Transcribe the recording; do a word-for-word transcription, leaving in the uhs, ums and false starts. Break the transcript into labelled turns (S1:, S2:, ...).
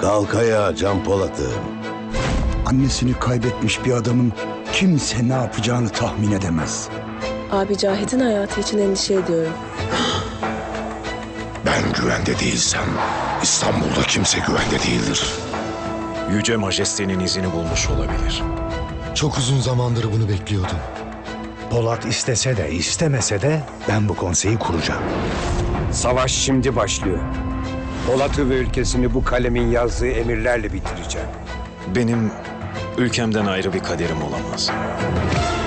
S1: Kalk ayağa Can Polat'ım.
S2: Annesini kaybetmiş bir adamın kimse ne yapacağını tahmin edemez.
S3: Abi Cahit'in hayatı için endişe ediyorum.
S4: Ben güvende değilsem İstanbul'da kimse güvende değildir.
S5: Yüce Majestenin izini bulmuş olabilir.
S6: Çok uzun zamandır bunu bekliyordum.
S7: Polat istese de istemese de ben bu konseyi kuracağım.
S8: Savaş şimdi başlıyor. Polat'ı ve ülkesini bu kalemin yazdığı emirlerle bitireceğim.
S5: Benim ülkemden ayrı bir kaderim olamaz.